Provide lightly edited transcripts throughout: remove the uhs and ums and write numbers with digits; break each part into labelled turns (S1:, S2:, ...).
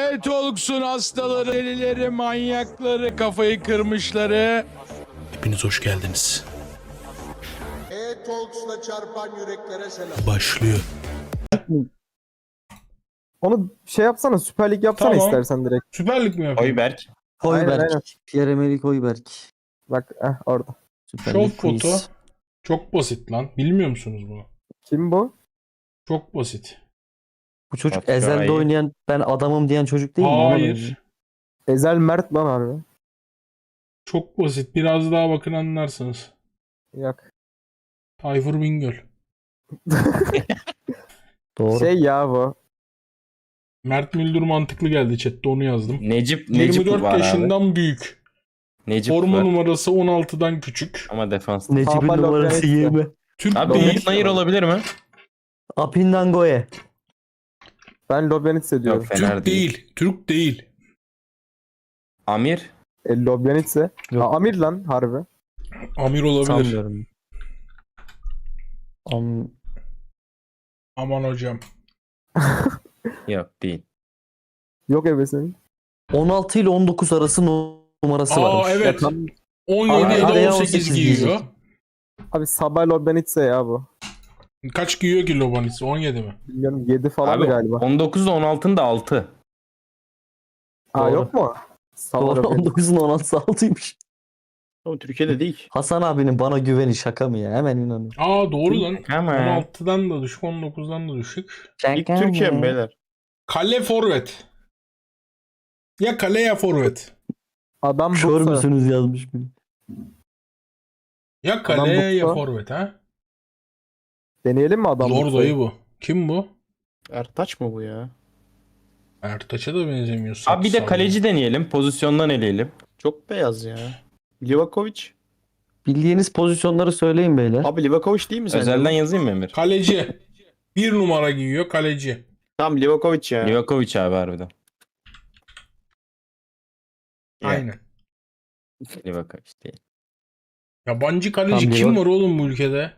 S1: Talks'un hastaları, delileri, manyakları, kafayı kırmışları. Hepiniz hoş geldiniz.
S2: Talks'la çarpan yüreklere selam.
S1: Başlıyor.
S3: Onu şey yapsana, Süper Lig yapsana
S1: Tamam.
S3: istersen direkt.
S1: Süper Lig mi yapayım?
S4: Hoiberg.
S3: Aynen.
S5: Hoiberg. Pierre-Emerick Hoiberg.
S3: Bak orada.
S5: Süper
S1: Şov
S5: Lig quiz.
S1: foto. Çok basit lan. Bilmiyor musunuz bunu?
S3: Kim bu?
S1: Çok basit.
S5: Bu çocuk
S4: Batshuayi.
S5: Ezel'de oynayan ben adamım diyen çocuk değil mi? Ona benziyor.
S1: Hayır.
S3: Ezel Mert lan harbi.
S1: Çok basit. Biraz daha bakın anlarsınız.
S3: Yok.
S1: Tayfur Bingöl.
S5: Doğru.
S3: Şey ya bu.
S1: Mert Müldür mantıklı geldi chatte, onu yazdım.
S4: Necip
S1: 24
S4: var abi.
S1: yaşından büyük.
S4: Necip
S1: Forma
S4: var.
S1: numarası 16'dan küçük.
S4: Ama defans.
S5: Necip'in
S3: Papa
S5: numarası
S3: Lopez.
S5: 20.
S1: Türk
S4: Abi
S1: değil.
S4: Umut Nayır olabilir mi?
S5: Apindangoye.
S3: Ben Lobjanitse diyorum.
S4: Yok, fena
S1: Türk
S4: değil.
S1: değil. Türk değil.
S4: Amir.
S3: Lobjanitse.
S5: Yok.
S3: Amir lan harbi.
S1: Amir olabilir.
S5: Sanmıyorum.
S1: Aman hocam.
S4: Yok değil.
S3: Yok ebesin.
S5: 16 ile 19 arası numarası
S1: Aa
S5: varmış.
S1: evet.
S3: Tam-
S1: 17
S5: Araya
S1: ya da 18
S5: 18
S1: giyiyor.
S5: diyecek.
S3: Abi Sabah Lobjanitse ya bu.
S1: Kaç giyiyor ki Lobanis? 17 mi?
S3: Bilmiyorum 7 falan
S4: Abi
S3: galiba.
S4: 19 ile 16'ın da 6.
S3: Aa
S5: Doğru.
S3: yok mu? Sabah
S5: Doğru,
S3: Lobjanitse.
S5: 19'un 16'sı 6'ymış.
S6: Ama Türkiye'de değil.
S5: Hasan abinin bana güveni şaka mı ya? Hemen inanıyorum.
S1: Aa doğru lan.
S4: Ama
S1: 16'dan da düşük, 19'dan da düşük.
S6: İlk Türkiye mi beyler?
S1: Kale forvet. Ya kale ya forvet.
S3: Adam
S5: Kör
S3: Bursa.
S5: müsünüz yazmış biri.
S1: Ya kale
S3: Adam
S1: ya
S3: Buksa.
S1: forvet ha.
S3: Deneyelim mi adam
S1: Zor
S3: Bursa'yı?
S1: dayı bu. Kim bu?
S6: Ertaç mı bu ya?
S1: Ertaç'a da benzemiyor.
S4: Abi bir de
S1: saksal.
S4: kaleci deneyelim. Pozisyondan eleyelim.
S6: Çok beyaz ya. Livakovic.
S5: Bildiğiniz pozisyonları söyleyin beyler.
S6: Abi Livakovic değil mi sence?
S4: Özelden yazayım mı Emir?
S1: Kaleci. Bir numara giyiyor kaleci.
S6: Tamam Livakovic ya.
S4: Livakovic abi harbiden.
S1: Aynen.
S4: Livakovic değil.
S1: Yabancı kaleci
S5: Tam
S1: kim
S5: bir
S1: var oğlum bu ülkede?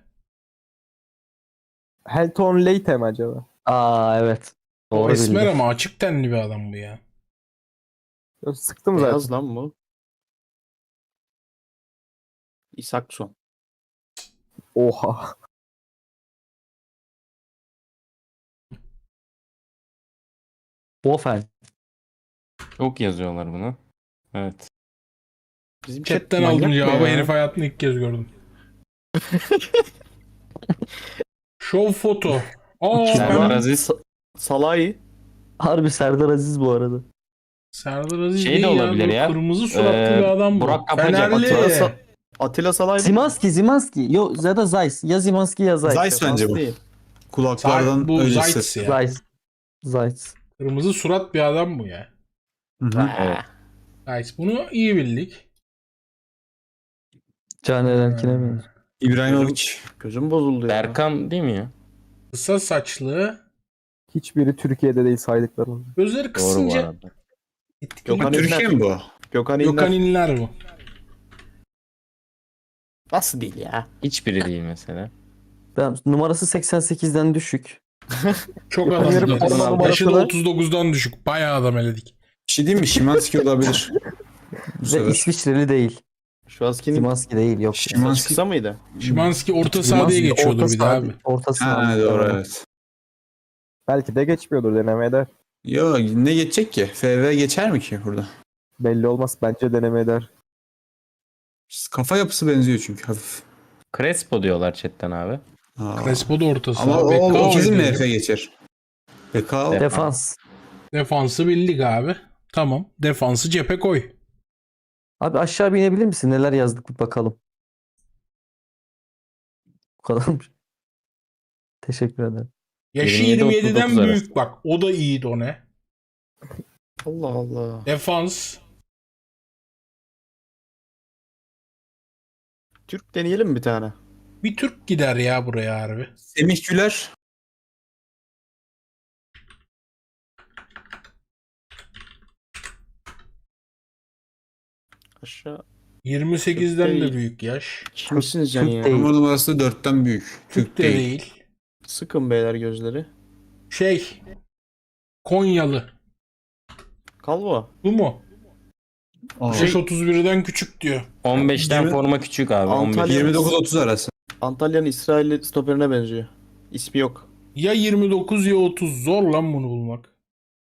S3: Helton Leite mi acaba?
S5: Aa evet.
S1: O
S5: Doğru
S1: esmer
S5: bildi.
S1: ama açık tenli bir adam bu ya.
S3: Yok, sıktım zaten.
S6: Beyaz lan bu. İsakson.
S3: Oha.
S5: Bofen.
S4: Çok yazıyorlar bunu. Evet.
S6: Bizim chat
S1: Chatten
S6: manyak
S1: aldım
S6: mı
S1: cevabı.
S6: ya?
S1: Herif hayatımda ilk kez gördüm. Show foto. Aa
S4: Serdar
S1: ben
S4: Aziz.
S6: Salahi.
S5: Harbi Serdar Aziz bu arada.
S1: Serdar Aziz
S4: Şey de
S1: değil
S4: olabilir
S1: bu
S4: ya.
S1: Kırmızı suratlı bir adam bu.
S4: Burak Kapacak.
S1: Fenerli.
S6: Atilla Salahi.
S5: Zimanski. Yok ya da Zeiss. Ya Zimanski ya Zeiss.
S7: Zeiss bence bu.
S6: Değil.
S7: Kulaklardan
S1: Bu
S7: öyle
S1: Zayt's
S7: ses.
S1: ya.
S5: Zeiss.
S1: Kırmızı surat bir adam bu ya.
S7: Hı hı.
S4: Evet.
S1: Zayt's. Bunu iyi bildik.
S5: Caner Erkin'e benziyor.
S7: İbrahimovic.
S6: Gözüm bozuldu ya.
S4: Berkan değil mi ya?
S1: Kısa saçlı.
S3: Hiçbiri Türkiye'de değil saydıklarım.
S1: Gözleri
S4: Doğru bu
S1: kısınca
S4: arada.
S6: Gökhan
S7: Türkiye mi bu?
S6: Gökhan İnler.
S1: Gökhan İnler bu.
S6: Nasıl değil ya?
S4: Hiçbiri değil mesela.
S5: Ben, numarası 88'den düşük.
S1: Çok
S3: Gökhan
S1: adam.
S3: İnler'in
S1: zaten.
S3: forma
S1: Yaşı da
S3: numarası
S1: 39'dan düşük. Bayağı adam eledik.
S7: Bir şey diyeyim mi? Şimanski olabilir. Bu
S5: Ve
S7: sefer.
S5: İsviçreli değil.
S6: Şu askinin
S5: Zimanski değil yok.
S7: Şimanski.
S6: kısa mıydı?
S1: Şimanski orta saha diye
S5: Zimanski
S1: geçiyordu
S5: orta
S1: bir de
S5: saha-
S1: abi.
S5: Orta saha.
S7: Ha doğru evet.
S3: Belki de geçmiyordur, denemeye eder.
S7: Yo ne geçecek ki? FV geçer mi ki burada?
S3: Belli olmaz, bence denemeye eder.
S7: Kafa yapısı benziyor çünkü hafif.
S4: Crespo diyorlar chatten abi.
S7: Aa.
S1: Crespo da orta
S7: Ama
S1: saha.
S7: o
S1: Bekao
S7: kesin
S1: oynuyor.
S7: MF geçer. Bekao.
S5: Defans.
S1: Defansı bildik abi. Tamam. Defansı cephe koy.
S5: Abi aşağı bir inebilir misin? Neler yazdık bir bakalım. Bu kadarmış. Teşekkür ederim.
S1: Yaşı
S4: 27-39
S1: 27'den
S4: arası.
S1: büyük bak. O da iyiydi o ne?
S6: Allah Allah.
S1: Defans.
S6: Türk deneyelim mi bir tane?
S1: Bir Türk gider ya buraya harbi.
S7: Semih Güler.
S6: Aşağı.
S1: 28'den de
S6: Değil.
S1: büyük yaş.
S6: Kimsiniz yani
S5: Türk
S6: ya?
S5: değil.
S7: Numara numarası 4'ten büyük.
S1: Türk de değil.
S6: Sıkın beyler gözleri.
S1: Şey. Konyalı.
S6: Calvo.
S1: Bu mu?
S7: Aa,
S1: Yaş 31'den küçük diyor.
S4: 15'ten
S7: Yirmi-
S4: forma küçük abi.
S6: Antalya-
S7: 29-30 arası.
S6: Antalya'nın İsrailli stoperine benziyor. İsmi yok.
S1: Ya 29 ya 30. Zor lan bunu bulmak.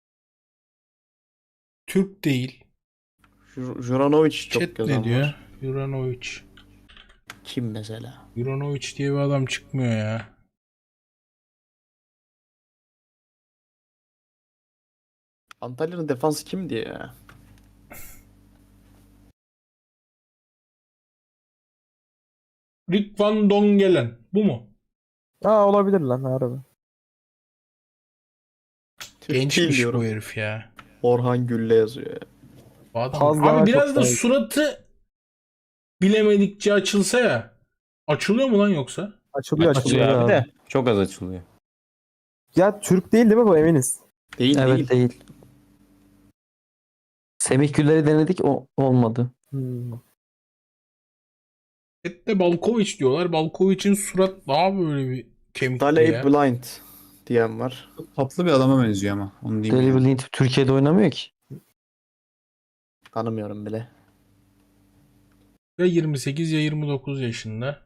S1: Türk değil.
S6: Juranovic çok
S1: Chat
S6: yazan
S1: ne diyor?
S6: var.
S1: Juranovic.
S6: Kim mesela?
S1: Juranovic diye bir adam çıkmıyor ya.
S6: Antalya'nın defansı kimdi ya?
S1: Rick Van Dongelen. Bu mu?
S3: Aa olabilir lan harbi.
S6: Türk değil
S1: Gençmiş
S6: diyorum.
S1: bu herif ya.
S6: Orhan Gülle yazıyor ya.
S1: Bu adam.
S3: Fazla
S1: Abi biraz
S3: çok
S1: da
S3: daha-
S1: suratı bilemedikçe açılsa ya. Açılıyor mu lan yoksa?
S3: Açılıyor
S4: Açılıyor
S3: açılıyor.
S4: abi de. Çok az açılıyor.
S3: Ya Türk değil mi bu eminiz?
S6: Değil
S5: Evet
S6: değil.
S5: değil. Semih Güller'i denedik olmadı.
S3: Hmm.
S1: Chat'te Balkovic diyorlar. Balkovic'in surat daha böyle bir kemikli
S6: Daley
S1: ya.
S6: Blind diyen var.
S7: Tatlı bir adama benziyor ama. Onu diyeyim.
S5: Deli
S7: yani.
S5: Blind Türkiye'de oynamıyor ki.
S6: Tanımıyorum bile.
S1: Ya 28 ya 29 yaşında.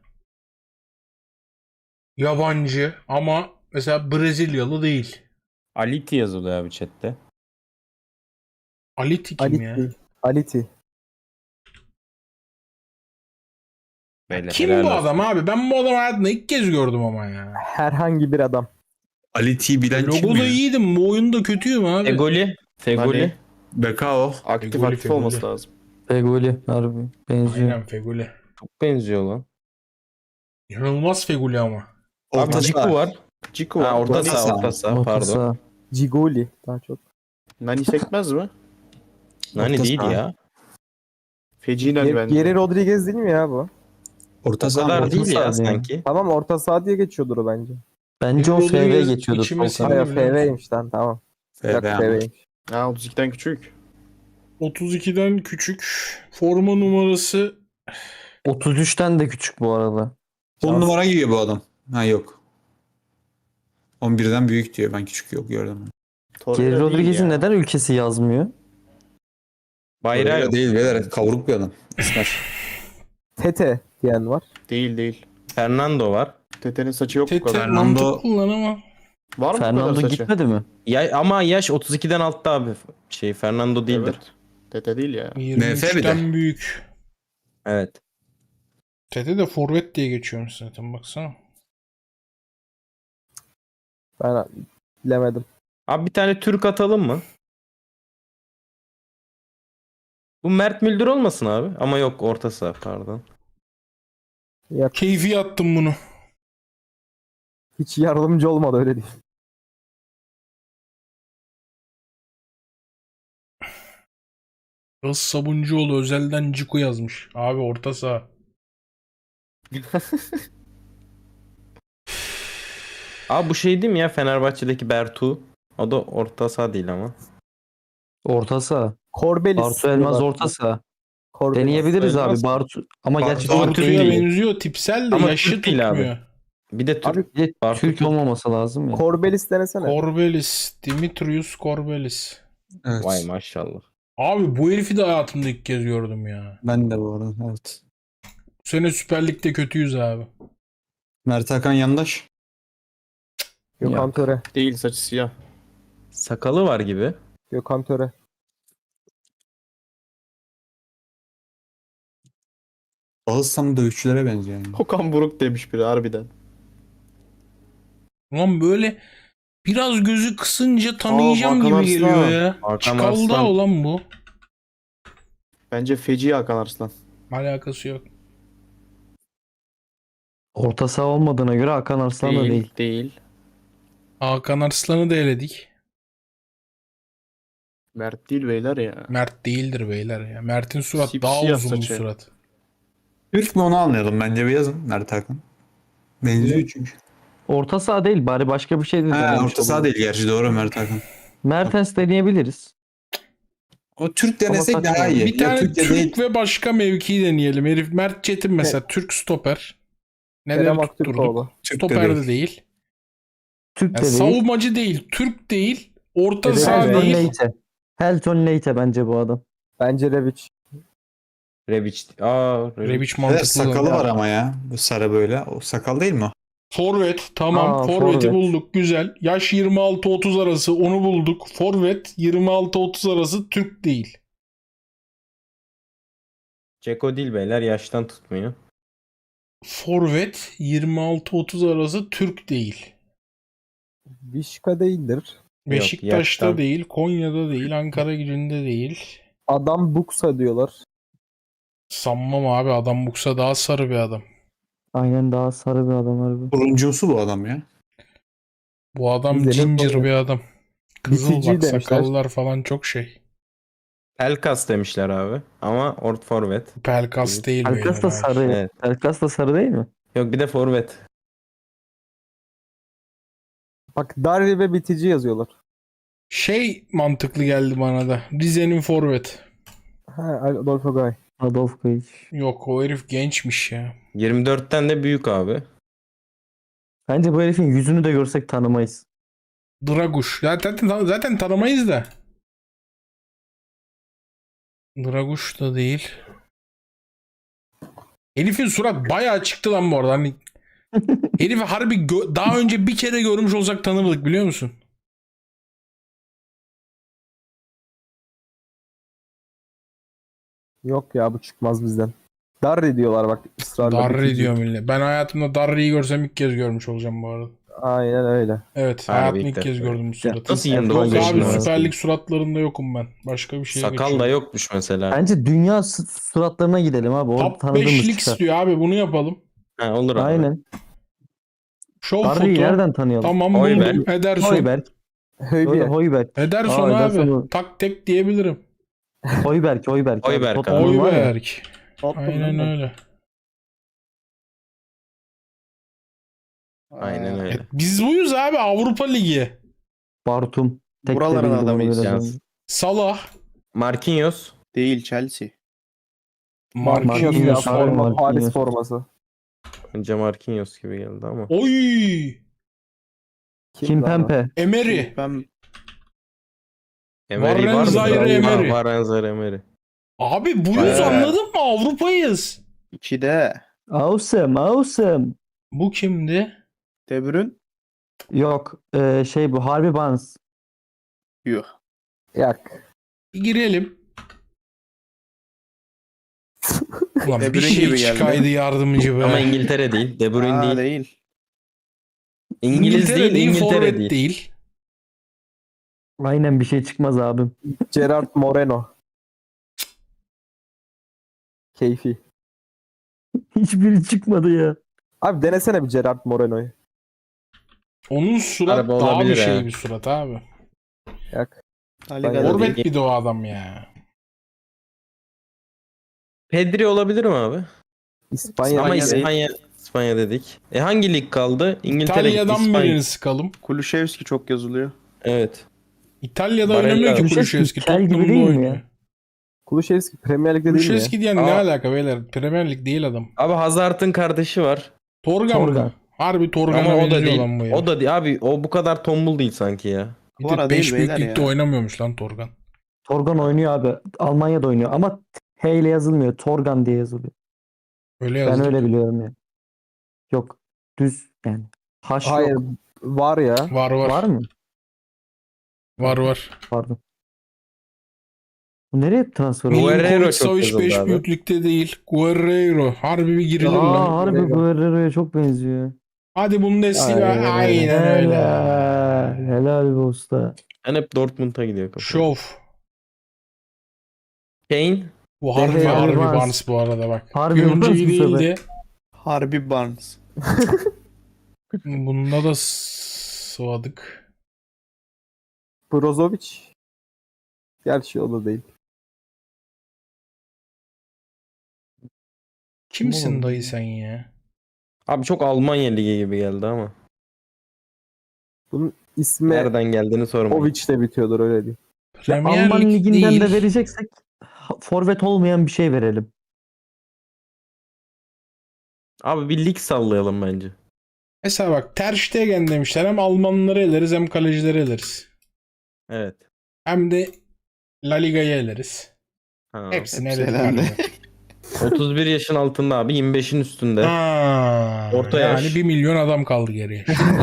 S1: Yabancı ama mesela Brezilyalı değil.
S4: Aliti yazılıyor abi chatte.
S1: Aliti kim ya?
S3: Aliti. Aliti.
S4: Beyler,
S1: Kim
S4: helal
S1: bu
S4: olsun.
S1: adam abi? Ben bu adamı hayatımda ilk kez gördüm ama ya.
S3: Herhangi bir adam.
S7: Ali T bilen kim
S1: Logoda
S7: ya?
S1: iyiydim. Bu oyunda kötüyüm abi.
S4: Fegoli. Fegoli.
S6: Hani
S7: Bekao.
S6: aktif
S1: Fegoli,
S6: aktif
S1: Fegoli.
S6: olması lazım.
S5: Fegoli harbi benziyor.
S1: Aynen Feguli.
S4: Çok benziyor lan.
S1: İnanılmaz Feguli ama.
S4: Abi
S7: Orta
S4: Ciku
S7: saha.
S4: var.
S6: Ciku var.
S4: Ha, orta
S7: Orta
S4: saha,
S7: saha.
S4: orta saha,
S5: Orta
S4: pardon.
S5: saha.
S3: Cigoli daha çok.
S6: Nani sekmez mi?
S4: Nani
S7: Orta
S4: değil
S7: saha.
S4: ya.
S6: Feci Nani bence.
S3: Geri Rodriguez değil mi ya bu?
S7: Orta
S4: O
S7: saha.
S4: kadar
S7: Orta
S4: değil
S7: saha.
S4: ya
S5: saha yani.
S4: sanki.
S3: Tamam orta saha diye geçiyordur o bence.
S5: Bence o
S1: Rodriguez
S5: FV geçiyordur.
S1: içime
S5: sol
S1: sindi.
S5: kanat.
S3: Hayır FV'ymiş lan tamam. Bir dakika
S7: FV.
S3: FV'ymiş.
S6: Ha 32'den küçük.
S1: 32'den küçük. Forma numarası
S5: 33'ten de küçük bu arada.
S7: 10 numara giyiyor bu adam. Ha yok. 11'den büyük diyor. Ben küçük yok gördüm.
S6: Torreira
S5: Geri
S6: değil
S5: Rodriguez'in
S6: ya.
S5: neden ülkesi yazmıyor?
S4: Bayrağı yok.
S7: Değil beyler. Kavruk bir adam. İsmer.
S3: Tete diyen var.
S6: Değil değil.
S4: Fernando var.
S6: Tete'nin saçı yok bu
S1: Tete
S6: kadar.
S7: Fernando-
S1: mantıklı lan ama.
S6: Var mı bu kadar
S5: Fernando
S6: saçı?
S5: gitmedi mi?
S4: Ya, ama yaş 32'den altta abi. Fernando değildir.
S6: Evet. Tete değil ya.
S1: 23'ten büyük.
S4: Evet.
S1: Tete de forvet diye geçiyormuş zaten baksana.
S3: Ben bilemedim.
S4: Abi bir tane Türk atalım mı? Bu Mert Müldür olmasın abi. Ama yok, orta saha pardon.
S3: Ya,
S1: Keyfi attım bunu.
S3: hiç yardımcı olmadı öyle değil.
S1: Yağız Sabuncuoğlu özelden Ciku yazmış. Abi orta saha.
S4: Abi bu şey değil mi ya, Fenerbahçe'deki Bertu? O da orta saha değil ama.
S5: Orta saha.
S3: Corbelis.
S5: Bartu Elmaz
S3: diyorlar.
S5: orta saha.
S3: Corbelis.
S5: Deneyebiliriz
S4: Elmaz.
S5: abi Bartu. Ama
S7: Bartu
S5: gerçekten
S7: Bartu
S5: Türk
S1: Bartu'ya
S5: değil.
S1: benziyor tipsel de
S4: Ama
S1: yaşı
S4: Türk değil abi.
S1: tutmuyor.
S4: Bir de Türk.
S3: Abi
S5: Bir de
S4: Bartu
S5: Türk
S4: Türk.
S5: olmaması lazım ya.
S3: Corbelis denesene.
S1: Corbelis. Dimitrius Corbelis.
S7: Evet.
S4: Vay maşallah.
S1: Abi bu herifi de hayatımda ilk kez gördüm ya.
S7: Ben de bu arada. Evet.
S1: Bu sene Süper Lig'de kötüyüz abi.
S7: Mert Hakan Yandaş.
S3: Gökhan Töre.
S6: Değil saçı siyah.
S4: Sakalı var gibi.
S3: Gökhan Töre.
S7: Ağızsam dövüşçülere benziyor yani.
S6: Okan Buruk demiş biri harbiden.
S1: Ulan böyle biraz gözü kısınca tanıyacağım
S6: Hakan
S1: gibi
S6: Arslan.
S1: geliyor ya.
S4: Hakan
S1: Çıkalda
S4: Arslan.
S1: olan bu.
S6: Bence feci Hakan Arslan.
S1: Alakası yok.
S5: Orta saha olmadığına göre Hakan Arslan da değil.
S6: Değil.
S1: Hakan Arslan'ı da eledik.
S6: Mert değil beyler ya.
S1: Mert değildir beyler ya. Mert'in surat daha
S6: Sipsiyah
S1: uzun bir
S6: saçı.
S1: surat.
S7: Türk mü onu anlayalım. Bence bir yazın Mert Hakan. Benziyor çünkü.
S5: Orta saha değil bari başka bir şey de
S7: Ha,
S5: denemiş
S7: orta saha
S5: oluruz.
S7: değil gerçi doğru Mert Hakan.
S5: Mertens deneyebiliriz.
S7: O Türk denesek
S5: Ama
S7: daha
S5: saçma.
S7: iyi.
S1: Bir tane
S7: Türk de
S1: Türk
S7: değil.
S1: ve başka mevki deneyelim. Herif Mert Çetin mesela Türk stoper.
S3: Kerem
S1: Neden tutturduk?
S3: Aktürkoğlu.
S7: Türk de
S1: Stoper de
S7: değil.
S1: değil.
S5: Türk de
S1: Yani
S5: değil.
S1: savunmacı değil. Türk değil. Orta
S3: Evet,
S1: saha
S3: evet.
S5: Ersan
S1: değil.
S5: Leite. Helton Leite bence bu adam.
S3: Bence Rebic.
S4: Rebic.
S1: Rebic
S7: Evet,
S1: mantıklı.
S7: sakalı var ama ya. Bu sarı böyle. O sakal değil mi o?
S1: Forvet tamam.
S5: Aa,
S1: Forvet'i
S5: forvet.
S1: bulduk. Güzel. Yaş 26-30 arası onu bulduk. Forvet 26-30 arası Türk değil.
S4: Ceko değil beyler, yaştan tutmuyor.
S1: Forvet 26-30 arası Türk değil.
S3: Vişka değildir.
S1: Beşiktaş'ta
S4: yaştan.
S1: değil, Konya'da değil, Ankaragücü'nde değil.
S3: Adam Buksa diyorlar.
S1: Sanmam abi, adam Buksa daha sarı bir adam.
S5: Aynen, daha sarı bir adam harbi.
S7: Turuncusu bu adam ya.
S1: Bu adam
S3: Gidelim
S1: ginger
S3: oraya.
S1: bir adam. Kızıl
S3: BTG
S1: bak,
S3: demişler.
S1: sakallar falan çok şey.
S4: Pelkas demişler abi. Ama forvet.
S1: Pelkas değil
S5: Pelkas da
S1: beyler, hayır.
S5: sarı.
S4: Evet.
S5: Pelkas da sarı değil mi?
S4: Yok, bir de forvet.
S3: Bak Darri ve Bitici yazıyorlar.
S1: Şey mantıklı geldi bana da. Rize'nin forvet.
S3: Ha, Adolfo Gay.
S5: Adolf Kayıç.
S1: Yok, o herif gençmiş ya.
S4: 24'ten de büyük abi.
S5: Bence bu herifin yüzünü de görsek tanımayız.
S1: Draguş. Zaten tanımayız da. Draguş da değil. Herifin surat bayağı çıktı lan bu arada. Hani herifi harbi daha önce bir kere görmüş olsak tanımadık, biliyor musun?
S3: Yok ya, bu çıkmaz bizden. Darri diyorlar bak, ısrarla.
S1: Darri
S3: Bitici.
S1: diyor millet. Ben hayatımda Darri'yi görsem ilk kez görmüş olacağım bu arada.
S3: Aynen öyle.
S1: Evet,
S4: Harbi
S1: hayatımda
S4: ilk
S1: ilk kez
S4: defa.
S1: gördüm bu suratı.
S4: Nasıl 29
S1: Yok abi,
S4: yaşında
S1: Süper
S4: arasında?
S1: Lig suratlarında yokum ben. Başka bir şeye
S4: Sakal da
S1: geçiyorum.
S4: yokmuş mesela.
S5: Bence dünya suratlarına gidelim abi. Orada
S1: Top
S5: tanıdığımız
S1: 5'lik
S5: çıkar.
S1: istiyor abi, bunu yapalım.
S4: Ha, olur abi.
S5: Aynen.
S1: Show
S5: Darri'yi
S1: foto.
S5: nereden tanıyalım?
S1: Tamam,
S4: Hoiberg.
S1: buldum. Ederson.
S5: Hoiberg.
S3: Höybiye.
S5: Hoiberg.
S1: Ederson
S5: Aa,
S1: abi.
S5: Ederson'u-
S1: Tak tek diyebilirim.
S5: Hoiberg.
S4: Hoiberg
S5: Tottenham var ya.
S1: Hoiberg. Aynen öyle.
S4: Aynen öyle.
S1: Biz buyuz abi, Avrupa Ligi.
S5: Bartum. Tek de
S6: Buraların
S5: bildim onu
S6: adamıyız.
S5: biraz
S4: Yaz.
S5: önce.
S1: Salah.
S4: Marquinhos.
S6: Değil, Chelsea.
S1: Marquinhos.
S5: Marquinhos.
S3: Paris
S5: Marquinhos.
S3: forması.
S4: Önce Marquinhos gibi geldi ama.
S1: Oy.
S5: Kimpembe.
S1: Emery.
S6: Ben
S4: Emery var mı?
S1: Zaire Emery.
S4: Var Zaire Emery.
S1: Abi buyuz,
S6: Evet.
S1: anladın mı? Avrupa'yız.
S6: 2'de
S5: Awesome.
S1: Bu kimdi?
S6: De Bruyne.
S5: Yok. Bu Harvey Barnes.
S6: Yuh.
S3: Yak.
S1: Bir girelim. Ulan
S6: De
S1: bir
S6: Bruyne
S1: şey
S6: gibi geldi.
S1: çıkaydı yardımcı be.
S4: Ama İngiltere değil. De Bruyne
S6: Aa,
S4: değil.
S6: değil.
S4: İngiliz
S1: İngiltere
S4: değil, İngiltere
S1: forvet
S4: değil.
S1: değil.
S5: Aynen, bir şey çıkmaz abim.
S3: Gerard Moreno. Keyfi.
S5: Hiçbiri çıkmadı ya.
S3: Abi denesene bir Gerard Moreno'yu.
S1: Onun surat
S4: Araba
S1: daha bir
S4: olabilir
S1: şey
S4: ha.
S1: bir surat abi.
S3: Yak.
S6: La
S3: Ben
S6: Liga'da
S1: Forvet
S6: değil.
S1: bir de o adam ya.
S4: Pedri olabilir mi abi?
S3: İspanya.
S4: Ama
S6: İspanya
S4: İspanya dedik. Hangi lig kaldı? İngiltere,
S1: İtalya'dan
S4: İspanya.
S1: birini sıkalım.
S6: Kulusevski çok yazılıyor.
S4: Evet.
S1: İtalya'da
S4: Barella.
S1: oynamıyor ki
S5: Kulusevski
S1: Kulusevski.
S5: kel gibi
S1: Tottenham'da
S5: değil mi
S1: oynuyor.
S5: ya?
S3: Kulüşevski Premier Lig'de değil mi ya?
S1: Kulusevski diyen ne
S4: Aa.
S1: alaka beyler? Premier Lig değil adam.
S4: Abi Hazard'ın kardeşi var.
S1: Torgan mı?
S5: Torgan.
S1: Harbi Torgan'a
S4: Ama o da
S1: benziyor
S4: değil.
S1: lan bu ya.
S4: O da değil. Abi o bu kadar tombul değil sanki ya.
S1: Bir de
S6: Kvara
S1: 5
S6: değil
S1: büyük
S6: beyler
S1: ligde
S6: ya.
S1: oynamıyormuş lan Torgan.
S5: Torgan oynuyor abi. Almanya'da oynuyor ama H ile yazılmıyor. Torgan diye yazılıyor.
S1: Öyle
S5: Ben
S1: yazdı.
S5: öyle biliyorum ya. Yok. Düz yani. Haş
S3: Hayır.
S5: yok.
S3: Var ya.
S1: Var.
S5: Var mı?
S1: Var.
S5: Pardon. Bu nereye transfer oldu?
S4: Guerrero
S1: Milinkovic
S4: çok
S1: Savic
S4: yazıldı
S1: 5
S4: abi.
S1: büyük ligde değil. Guerrero. Harbi bir girilir lan.
S5: Aa, harbi Guerrero'ya çok benziyor.
S1: Hadi Bundesliga. Aynen öyle.
S5: Helal be usta.
S4: Ben hep Dortmund'a gidiyor kafa.
S1: Şov.
S4: Kane.
S1: Bu harbi
S5: Harbi
S1: harbi
S5: Barnes.
S1: Barnes bu arada bak.
S5: Harbi
S1: Bir önceki
S5: Barnes bu sefer.
S1: değildi.
S6: Harbi Barnes.
S1: Bunda da sıvadık.
S3: Brozovic. Gerçi o da değil.
S1: Kimsin
S5: Oğlum.
S1: dayı sen ya?
S4: Abi çok Almanya ligi gibi geldi ama.
S3: Bunun ismi
S4: Nereden geldiğini sormayın.
S3: Ovic de bitiyordur, öyle diyeyim.
S1: Premier
S5: Alman
S1: Lig
S5: liginden
S1: değil.
S5: de vereceksek forvet olmayan bir şey verelim.
S4: Abi bir lig sallayalım bence.
S1: Mesela bak Ter Stegen demişler. Hem Almanları eleriz hem kalecileri eleriz.
S4: Evet.
S1: Hem de La Liga'yı eleriz.
S4: Ha.
S1: Hepsini
S6: hepsi
S1: eledik.
S6: elendi.
S1: galiba.
S4: 31 yaşın altında abi, 25'in üstünde.
S1: Ha,
S4: Orta
S1: yani
S4: yaş.
S1: 1 milyon adam kaldı geriye.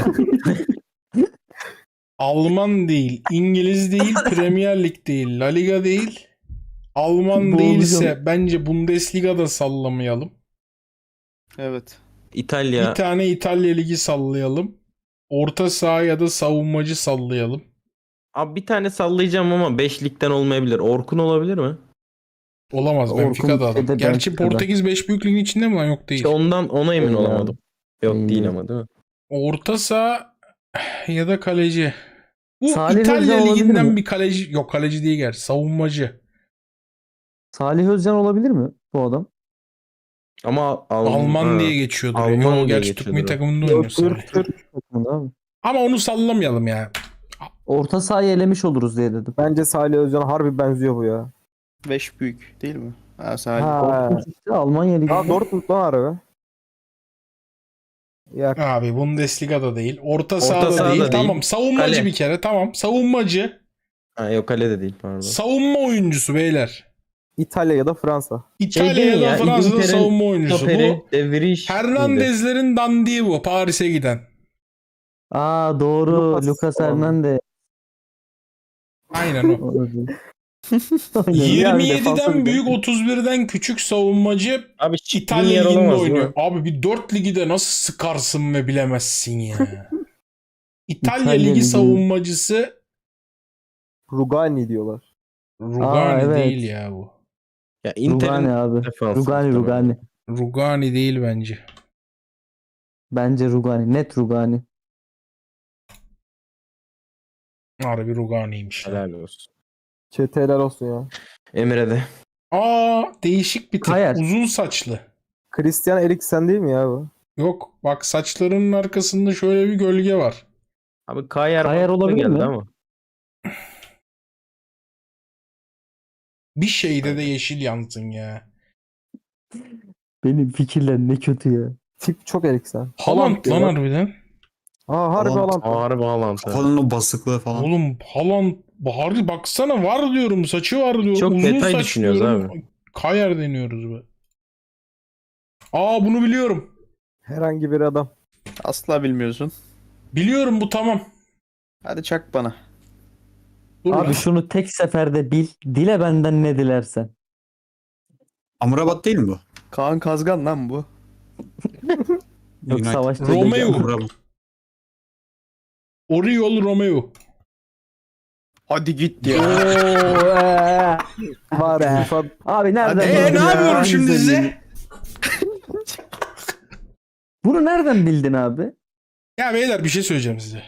S1: Alman değil, İngiliz değil, Premier Lig değil, La Liga değil. Alman
S5: Bu
S1: değilse
S5: olacak.
S1: bence Bundesliga'da sallamayalım.
S6: Evet.
S4: İtalya.
S1: Bir tane İtalya Ligi sallayalım. Orta saha ya da savunmacı sallayalım.
S4: Abi bir tane sallayacağım ama 5 ligden olmayabilir. Orkun olabilir mi?
S1: Olamaz
S5: Orkun
S1: Benfica'da adam.
S5: şeyde
S1: Gerçi
S5: Benfica'da.
S1: Portekiz 5 büyük ligin içinde mi lan? Yok değil.
S4: İşte ona emin
S5: Değil
S4: olamadım. Yok
S5: Değil.
S4: değil ama değil mi?
S1: Orta saha ya da kaleci. Bu
S5: Salih
S1: İtalya
S5: Özcan olabilir
S1: Ligi'nden
S5: mi?
S1: bir kaleci. Yok kaleci değil gerçi. Savunmacı.
S5: Salih Özcan olabilir mi bu adam?
S4: Ama
S1: Alman
S4: ha.
S1: diye geçiyordur.
S4: Alman
S1: Yo,
S4: diye
S1: gerçi Türk
S4: geçiyordur
S1: milli
S4: o.
S1: takımında
S5: Yok,
S1: oynuyor Salih.
S5: Türk takımında abi.
S1: Ama onu sallamayalım ya.
S5: Orta sahayı elemiş oluruz diye dedim.
S3: Bence Salih Özcan'a harbi benziyor bu ya.
S6: 5 büyük değil mi? Ha, Salih.
S3: Ha.
S5: İşte Almanya Ligi.
S3: Ha Dortmund lan harbi. Ya
S1: Abi Bundesliga'da değil. Orta
S4: sahada
S1: sahada değil.
S4: değil.
S1: Tamam. Savunmacı
S4: Kale.
S1: bir kere. Tamam. Savunmacı.
S4: Ha, yok kale de değil pardon.
S1: Savunma oyuncusu beyler.
S3: İtalya ya da Fransa.
S1: İtalya
S4: değil
S1: ya
S4: mi
S1: da
S4: ya?
S1: Fransa'da
S4: İngiltere'nin
S1: savunma oyuncusu.
S4: Stoperi
S1: Bu
S4: De Vrij miydi?
S1: Hernandez'lerin dandiği bu. Paris'e giden.
S5: Aa doğru. Lucas
S3: falan.
S5: Hernandez.
S1: Aynen o.
S5: Olabilir. Aynen, bir defansa
S1: 27'den
S5: bir
S1: büyük
S5: de.
S1: 31'den küçük savunmacı
S4: Abi
S1: İtalya
S4: yer
S1: Ligi'nde
S4: olamaz, değil
S1: oynuyor.
S4: mi?
S1: Abi bir 4 ligi de nasıl sıkarsın ve bilemezsin ya. İtalya
S5: İtalya
S1: Ligi
S5: Ligi.
S1: savunmacısı
S3: Rugani diyorlar.
S1: Rugani
S5: evet.
S1: değil ya bu.
S4: Ya
S5: Rugani
S4: Inter'in
S5: abi.
S4: defansı
S5: Rugani
S4: muhtemelen.
S5: Rugani.
S1: Rugani değil bence.
S5: Bence Rugani. Net Rugani.
S1: Harbi Rugani'ymiş.
S4: Helal olsun.
S3: Çeteler olsun ya.
S4: Emre'de.
S1: Aa değişik bir tip.
S5: Kayar.
S1: Uzun saçlı.
S3: Christian Eriksen değil mi ya bu?
S1: Yok bak saçlarının arkasında şöyle bir gölge var.
S4: Abi Kayar
S5: Kayar
S4: mantıklı
S5: olabilir
S4: geldi
S5: mi?
S4: ama.
S1: Bir şeyde de yeşil yansın ya.
S5: Benim fikirler ne kötü ya.
S3: Tip çok Eriksen.
S1: Haaland lan
S3: diyorlar.
S1: harbiden.
S3: Aa harbi
S7: Haaland.
S3: Haaland.
S4: Harbi Haaland. ha.
S7: Kafanın o basıklığı falan.
S1: Oğlum Haaland harbi baksana var diyorum saçı var diyorum.
S4: Çok
S1: Uzun
S4: detay
S1: saç
S4: düşünüyoruz
S1: diyorum.
S4: abi.
S1: Kayar deniyoruz be. Aa bunu biliyorum.
S3: Herhangi bir adam.
S6: Asla bilmiyorsun.
S1: Biliyorum bu tamam.
S6: Hadi çak bana.
S1: Dur lan.
S5: Abi şunu tek seferde bil. Dile benden ne dilersen.
S7: Amrabat değil mi bu?
S6: Kaan Kazgan lan bu.
S5: Yok
S7: United.
S5: savaş
S1: Romeo.
S7: Amrabat.
S1: Oriol Romeo.
S6: Hadi git
S5: Oo,
S6: ya.
S3: Var
S5: Be.
S3: FIFA.
S5: Abi nereden
S6: Hadi.
S5: bildin
S1: Ne
S5: ya?
S1: yapıyorum şimdi
S5: Güzel
S1: size?
S5: bildin. Bunu nereden bildin abi?
S1: Ya beyler bir şey söyleyeceğim size.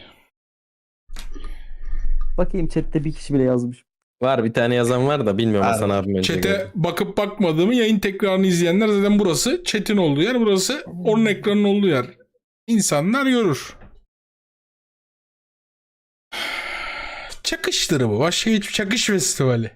S5: Bakayım chatte bir kişi bile yazmış.
S4: Var bir tane yazan var da bilmiyorum
S7: Ha,
S4: Hasan abim önce
S1: Chat'e
S4: gördü.
S1: bakıp bakmadığımı yayın tekrarını izleyenler zaten burası chat'in olduğu yer. Burası onun ekranın olduğu yer. İnsanlar görür. Çakıştır bu. Başka hiçbir çakış festivali.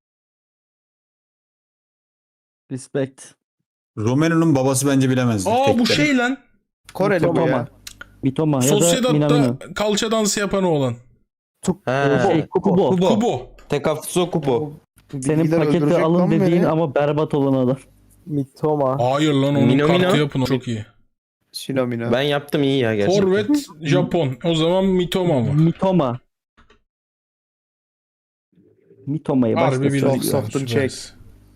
S5: Respect.
S7: Romero'nun babası bence bilemezdi.
S1: Aa
S7: Tek
S1: bu
S7: de.
S1: şey lan.
S6: Koreli bu
S5: Mitoma.
S6: ya.
S5: Mitoma ya da
S1: Sociedad'da
S5: Minamino.
S1: kalça dansı yapan oğlan.
S4: Ha,
S5: Kubo.
S1: Kubo.
S4: Tekaffuso Kubo.
S5: Senin
S6: Bilgiler
S5: paketi
S6: öldürecek
S5: alın
S6: lan
S5: dediğin
S6: beni.
S5: ama berbat olan adam.
S3: Mitoma.
S1: Hayır lan onun
S4: Mino
S1: kartı
S4: Mino.
S1: yapın. Çok iyi.
S6: Sinomino.
S4: Ben yaptım iyi ya gerçekten.
S1: Forvet Japon. O zaman Mitoma mı?
S5: Mitoma. Mitoma'yı
S1: Harbi
S5: başka
S1: bildik.
S6: Çok
S1: lan,
S6: soft'un
S1: süperiz.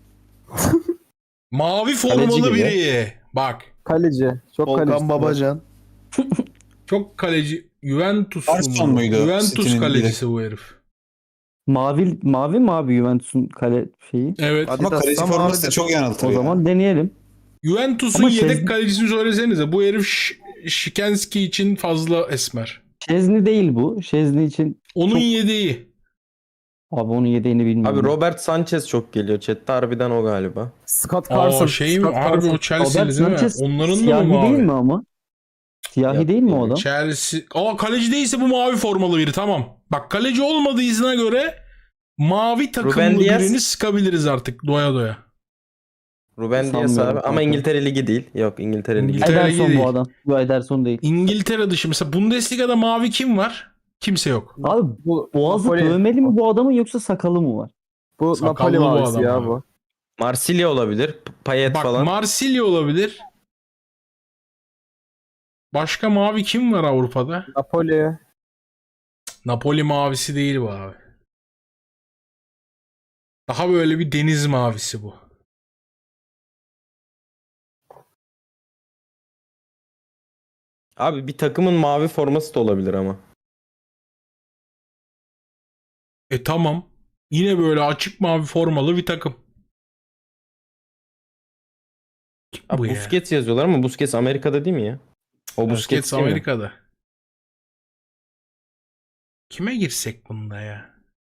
S1: Mavi formalı
S4: gibi.
S1: biri. Bak.
S3: Kaleci. Çok kaleci.
S6: Volkan Babacan.
S1: Çok kaleci. Juventus
S7: Arson
S1: mu?
S7: muydu?
S1: Juventus
S7: City'nin
S1: kalecisi bu herif.
S5: Mavi mi abi Juventus'un kale şeyi?
S1: Evet.
S6: Hadi.
S7: Ama kaleci
S6: Tam
S7: forması da
S6: abi.
S7: çok yanıltır
S5: O
S7: ya.
S5: zaman deneyelim.
S1: Juventus'un
S5: Ama
S1: yedek
S5: Şez-
S1: kalecisini söylesenize. Bu herif Şikenski için fazla esmer.
S5: Şezni değil bu. Şezni için
S1: Onun
S5: Çok-
S1: yedeği.
S5: abi onun yedeğini bilmiyorum.
S4: Abi Robert Sanchez çok geliyor. Chat'te harbiden o galiba.
S3: Scott Carson.
S1: Aa şey mi?
S3: Scott
S1: Harbi
S3: Carson.
S1: o Chelsea'li
S5: Robert
S1: değil mi?
S5: Sanchez
S1: Onların da
S5: siyahi
S1: mı
S5: değil
S1: mavi?
S5: mi ama? Siyahi
S4: Yok,
S5: değil mi o
S4: değil.
S5: adam?
S1: Chelsea. Aa kaleci değilse bu mavi formalı biri tamam. Bak kaleci olmadığına göre mavi takımlı
S4: Ruben Dias.
S1: birini sıkabiliriz artık doya doya.
S4: Ruben Dias
S5: Sanmıyorum
S4: abi ama
S5: kanka.
S4: İngiltere Ligi değil. Yok İngiltere Ligi.
S1: İngiltere-
S5: Ederson
S1: değil.
S5: bu adam. Bu Ederson değil.
S1: İngiltere dışı mesela Bundesliga'da mavi kim var? Kimse yok.
S5: Abi
S3: Bu,
S5: boğazı
S3: Napoli.
S5: dövmeli mi bu adamın yoksa sakalı mı var?
S3: Bu
S1: Sakallı
S3: Napoli
S1: bu
S3: mavisi
S1: adam
S3: ya
S1: abi.
S3: bu.
S4: Marsilya olabilir. Payet
S1: Bak
S4: falan.
S1: Marsilya olabilir. Başka mavi kim var Avrupa'da?
S3: Napoli.
S1: Napoli mavisi değil bu abi. Daha böyle bir deniz mavisi bu.
S4: Abi bir takımın mavi forması da olabilir ama.
S1: Tamam. Yine böyle açık mavi formalı bir takım. Kim bu
S4: Abi
S1: ya?
S4: Busquets yazıyorlar ama Busquets Amerika'da değil mi ya? O Busquets
S1: Busquets
S4: değil mi?
S1: Amerika'da. Kime girsek bunda ya?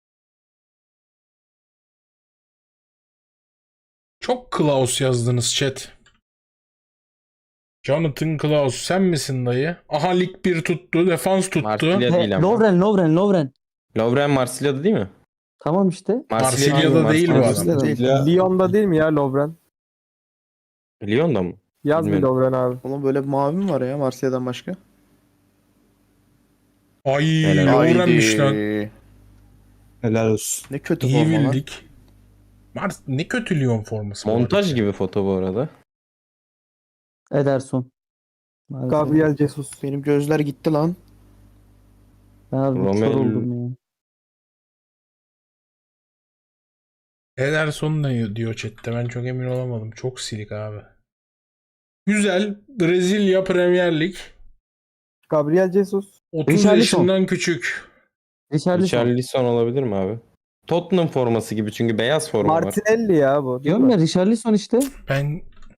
S1: Çok Klaus yazdınız chat. Jonathan Klaus sen misin dayı? Aha lig 1 tuttu. Defans tuttu.
S4: Marsilya değil ama.
S5: Lovren.
S4: Lovren Marsilya'da değil mi?
S5: Tamam işte.
S1: Marsilya'da değil bu adam.
S5: Marsilya'da.
S3: Lyon'da değil mi ya Lovren?
S4: Lyon'da mı?
S3: Yaz bir
S4: Bilmiyorum.
S3: Lovren abi.
S6: Oğlum böyle bir mavi mi var ya Marsilya'dan başka?
S1: Ay
S4: Helal.
S1: Lovren'miş lan.
S6: Haydi.
S7: Helal olsun.
S6: Ne kötü
S1: İyi
S6: forma lan.
S1: bildik. Ne kötü Lyon forması. bu
S4: Montaj
S1: arada.
S4: gibi foto bu arada.
S5: Ederson. Maalesef.
S3: Gabriel Jesus.
S6: Benim gözler gitti lan.
S5: Ben abi kör
S4: Romelu-
S5: oldum ya.
S1: Ederson ne diyor chatte? Ben çok emin olamadım. Çok silik abi. Güzel. Brezilya Premier Lig.
S3: Gabriel Jesus.
S1: 30
S5: Richarlison.
S1: yaşından küçük.
S5: Richarlison.
S4: Richarlison olabilir mi abi? Tottenham forması gibi çünkü beyaz forma var.
S3: Martinelli ya bu. Değil
S5: Diyorum
S3: mi?
S5: ya Richarlison işte.
S1: Ben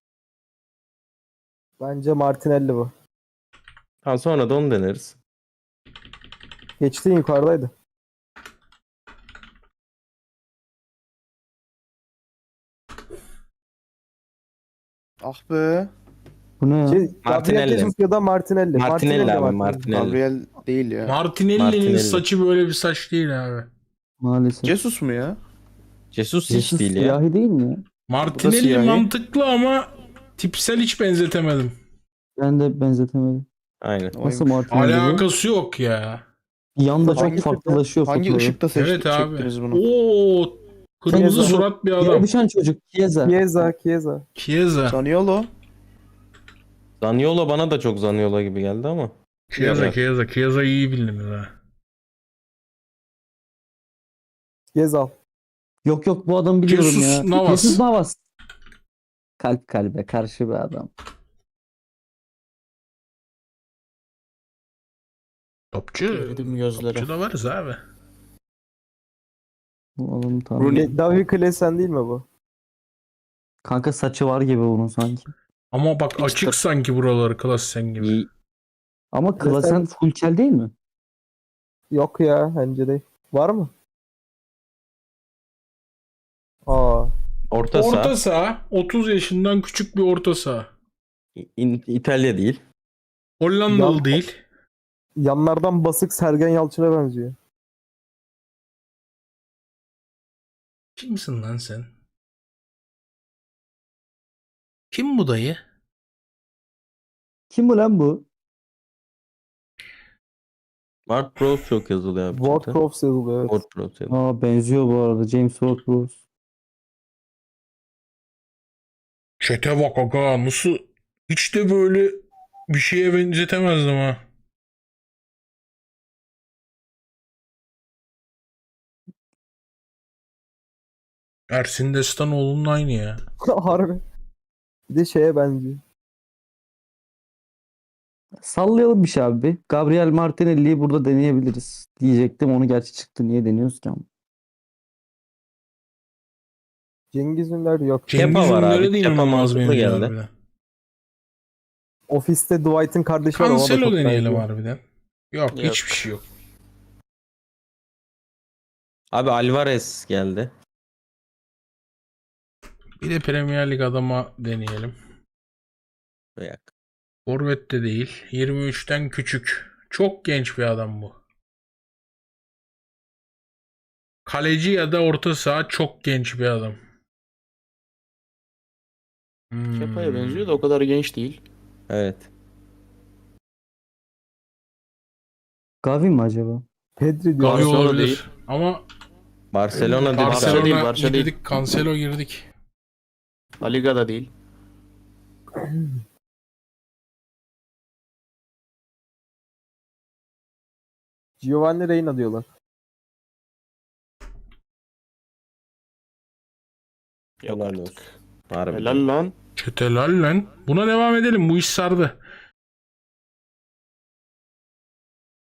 S3: Bence Martinelli bu.
S4: Ha, sonra da onu deneriz.
S3: Geçti yukarıdaydı.
S6: Ah be.
S5: Bu ne ya?
S3: Gabriel
S4: Martinelli.
S3: Jesus ya da Martinelli.
S4: Martinelli abi,
S3: Martinelli.
S4: Martinelli.
S6: Gabriel değil ya.
S1: Martinelli'nin
S4: Martinelli.
S1: saçı böyle bir saç değil abi.
S5: Maalesef.
S6: Jesus mu ya?
S4: Jesus hiç
S5: Jesus
S4: değil ya.
S5: siyahi değil mi ya?
S1: Martinelli
S6: siyahi.
S1: mantıklı ama tipsel hiç benzetemedim.
S5: Ben de benzetemedim.
S4: Aynen.
S5: Nasıl Martinelli bu?
S1: Alakası yok ya.
S5: Yanda çok
S6: Hangi-
S5: farklılaşıyor
S6: Hangi
S5: fotoğrafı.
S6: ışıkta
S1: Evet abi.
S6: çektiniz bunu?
S1: Oo, kırmızı
S3: Chiesa.
S1: surat bir
S5: Yere
S1: adam.
S5: düşen çocuk. Chiesa.
S3: Chiesa.
S1: Chiesa.
S6: Zaniolo.
S4: Zaniolo bana da çok Zaniolo gibi geldi ama.
S1: Chiesa,
S4: Evet.
S1: Chiesa. Chiesa iyi bildiniz ha.
S3: Gezal.
S5: Yok bu adamı biliyorum
S1: Jesus
S5: ya.
S1: Navas.
S5: Jesus Navas. Kalp kalbe karşı bir adam.
S1: Topçu.
S6: Eridim gözlere.
S1: Topçu da varız abi.
S5: Bu adamı tanıyorum.
S6: Rooney.
S3: David Klaassen değil mi bu?
S5: Kanka saçı var gibi bunun sanki.
S1: Ama bak açık sanki buraları Klassen gibi.
S4: İyi.
S5: Ama Klaassen full kel değil mi?
S3: Yok ya bence değil. Var mı? Aa.
S4: Orta saha.
S1: Orta saha. 30 yaşından küçük bir orta saha.
S4: İtalya değil.
S1: Hollandalı
S3: Ya-
S1: değil.
S3: Yanlardan basık Sergen Yalçın'a benziyor.
S1: Kimsin lan sen? Kim bu dayı?
S5: Kim bu lan bu?
S4: Ward Prowse çok yazılıyor abi.
S3: Ward
S4: zaten.
S3: Prowse yazılıyor. Evet.
S4: Ward Prowse yazılıyor.
S5: Aa benziyor bu arada. James Ward-Prowse.
S1: Çete bak aga nasıl hiç de böyle bir şeye benzetemezdim ha. Ersin Destanoğlu'nun aynı ya.
S3: Harbi. Bir de şeye benziyor.
S5: Sallayalım bir şey abi. Gabriel Martinelli'yi burada deneyebiliriz. Diyecektim onu gerçi çıktı. Niye deniyoruz ki ama?
S3: Cengiz Ünder yok.
S1: Cengiz
S4: var abi,
S1: Ünder'e de
S4: Kepa
S1: inanılmaz
S4: mantıklı
S1: benziyor
S4: geldi.
S1: harbiden.
S3: Ofiste Dwight'ın kardeşi var. Ona da
S1: Cancelo
S3: çok
S1: deneyelim
S3: benziyor.
S1: harbiden. Yok,
S6: Yok.
S1: hiçbir şey yok.
S4: Abi Alvarez geldi.
S1: Bir de Premier Lig adama deneyelim.
S4: Veya
S1: Forvet de değil. 23'ten küçük. Çok genç bir adam bu. Kaleci ya da orta saha çok genç bir adam.
S6: Kepa'ya benziyor da o kadar genç değil.
S4: Evet.
S5: Gavi mi acaba?
S3: Pedri diyor.
S1: Gavi
S6: Barcelona
S1: olabilir.
S6: değil.
S1: Ama
S4: Barcelona dedi.
S6: Barcelona değil,
S1: Barcelona
S6: Barça değil.
S1: girdik. Cancelo girdik.
S6: La Liga'da değil.
S3: Giovanni Reina diyorlar.
S6: Yok
S4: Helal
S6: artık.
S4: olsun. Harbi.
S6: Helal lan.
S1: Çetelal lan. Buna devam edelim. Bu iş sardı.